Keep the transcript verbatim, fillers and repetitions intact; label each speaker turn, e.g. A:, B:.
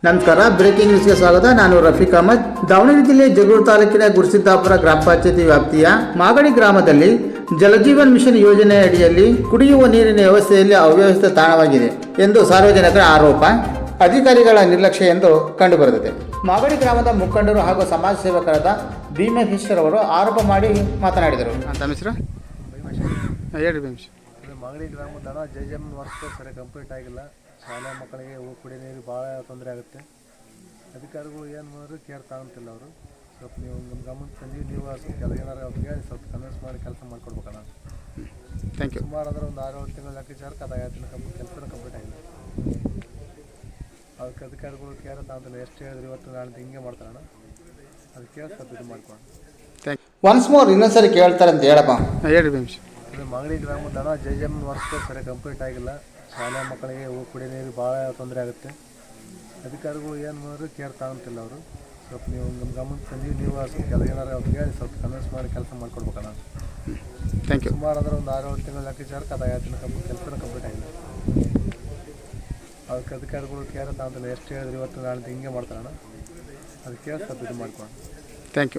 A: ನಮಸ್ಕಾರ, ಬ್ರೇಕಿಂಗ್ ನ್ಯೂಸ್ಗೆ ಸ್ವಾಗತ. ನಾನು ರಫೀಕ್ ಅಹಮದ್. ದಾವಣಗೆರೆ ಜಿಲ್ಲೆ ಜಗಳೂರು ತಾಲೂಕಿನ ಗುರುಸಿದ್ದಾಪುರ ಗ್ರಾಮ ಪಂಚಾಯತಿ ವ್ಯಾಪ್ತಿಯ ಮಾಗಡಿ ಗ್ರಾಮದಲ್ಲಿ ಜಲಜೀವನ್ ಮಿಷನ್ ಯೋಜನೆ ಅಡಿಯಲ್ಲಿ ಕುಡಿಯುವ ನೀರಿನ ವ್ಯವಸ್ಥೆಯಲ್ಲಿ ಅವ್ಯವಸ್ಥೆ ತಾಣವಾಗಿದೆ ಎಂದು ಸಾರ್ವಜನಿಕರ ಆರೋಪ. ಅಧಿಕಾರಿಗಳ ನಿರ್ಲಕ್ಷ್ಯ ಎಂದು ಕಂಡುಬರುತ್ತದೆ. ಮಾಗಡಿ ಗ್ರಾಮದ ಮುಖಂಡರು ಹಾಗೂ ಸಮಾಜ ಸೇವಕರಾದ ಭೀಮೇಶ್ವರ್ ಅವರು ಆರೋಪ ಮಾಡಿ ಮಾತನಾಡಿದರು. ಅಂತ ಹೆಸರು ಹೇಳಿ ಭೀಮೇಶ್.
B: ಮಾಗಡಿ ಗ್ರಾಮದ ಜೈಜಮ್ ವರ್ಕ್ ಸರಿ ಕಂಪ್ಲೀಟ್ ಆಗಿಲ್ಲ. ಶಾಲಾ ಮಕ್ಕಳಿಗೆ ಕುಡಿಯೋ ನೀರು ಭಾಳ ತೊಂದರೆ ಆಗುತ್ತೆ. ಅಧಿಕಾರಿಗಳು ಏನು ಮಾಡಿದ್ರು ಕೇರ್ ತಗೊಂತಿಲ್ಲ. ಅವರು ಸ್ವಲ್ಪ ನೀವು ನಮ್ಮ ಗಮನಕ್ಕೆ ತಂದು ನೀವು ಸ್ವಲ್ಪ ಕೆಲ ಏನಾರು ಅವ್ರಿಗೆ ಹೇಳಿ ಸ್ವಲ್ಪ ಕನ್ವಿನ್ಸ್ ಮಾಡಿ ಕೆಲಸ ಮಾಡಿಕೊಡ್ಬೇಕಣ್ಣ.
A: Thank you.
B: ಸುಮಾರು ಅಂದ್ರೆ ಒಂದು ಆರು ಏಳು ತಿಂಗಳು ಲೆಕ್ಕಾಚಾರಕ್ಕೆ ಅದು ಐದು ತಿಂಗಳು ಕಂಪ್ಲೀಟ್ ಕೆಲಸನ ಕಂಪ್ಲೀಟ್ ಆಗಿಲ್ಲ. ಅದಕ್ಕೆ ಅಧಿಕಾರಿಗಳು ಕೇರ್ ತಗೊಂತಿಲ್ಲ. ಎಷ್ಟು ಹೇಳಿದ್ರು ಇವತ್ತು ನಾಳೆ ಹಿಂಗೆ ಮಾಡ್ತಾರಣ್ಣ. ಅದು ಕೇರ್ ಸ್ವಲ್ಪ ಇದು ಮಾಡ್ಕೊಂಡು
A: ಥ್ಯಾಂಕ್ ಯು. ಒನ್ಸ್ ಮೋರ್ ಇನ್ನೊಂದ್ಸರಿ ಕೇಳ್ತಾರೆ ಅಂತ ಹೇಳಪ್ಪ. ಹೇಳಿ ಭೀಮೇಶ್.
B: ಮಾಗಡಿ ಗ್ರಾಮದ ಜೈಜಮ್ ವರ್ಕ್ ಸರಿ ಕಂಪ್ಲೀಟ್ ಆಗಿಲ್ಲ. ಶಾಲಾ ಮಕ್ಕಳಿಗೆ ಕುಡಿಯೋ ನೀರು ಭಾಳ ತೊಂದರೆ ಆಗುತ್ತೆ. ಅಧಿಕಾರಿಗಳು ಏನು ಮಾಡಿದ್ರು ಕೇರ್ ತಗೊಂತಿಲ್ಲ. ಅವರು ಸ್ವಲ್ಪ ನೀವು ನಮ್ಮ ಗಮನಕ್ಕೆ ತಂದು ನೀವು ಸ್ವಲ್ಪ ಕೆಲ ಏನಾರು ಅವ್ರಿಗೆ ಹೇಳಿ ಸ್ವಲ್ಪ ಕನ್ವಿನ್ಸ್ ಮಾಡಿ ಕೆಲಸ ಮಾಡಿಕೊಡ್ಬೇಕಣ್ಣ.
A: Thank you.
B: ಸುಮಾರು ಅಂದ್ರೆ ಒಂದು ಆರು ಏಳು ತಿಂಗಳು ಲೆಕ್ಕಾಚಾರಕ್ಕೆ ಅದು ಐದು ತಿಂಗಳು ಕಂಪ್ಲೀಟ್ ಕೆಲಸನ ಕಂಪ್ಲೀಟ್ ಆಗಿಲ್ಲ. ಅದಕ್ಕೆ ಅಧಿಕಾರಿಗಳು ಕೇರ್ ತಗೊಂತಿಲ್ಲ. ಎಷ್ಟು ಹೇಳಿದ್ರು ಇವತ್ತು ನಾಳೆ ಹಿಂಗೆ ಮಾಡ್ತಾರಣ್ಣ. ಅದು ಕೇರ್ ಸ್ವಲ್ಪ ಇದು ಮಾಡ್ಕೊಂಡು
A: ಥ್ಯಾಂಕ್ ಯು.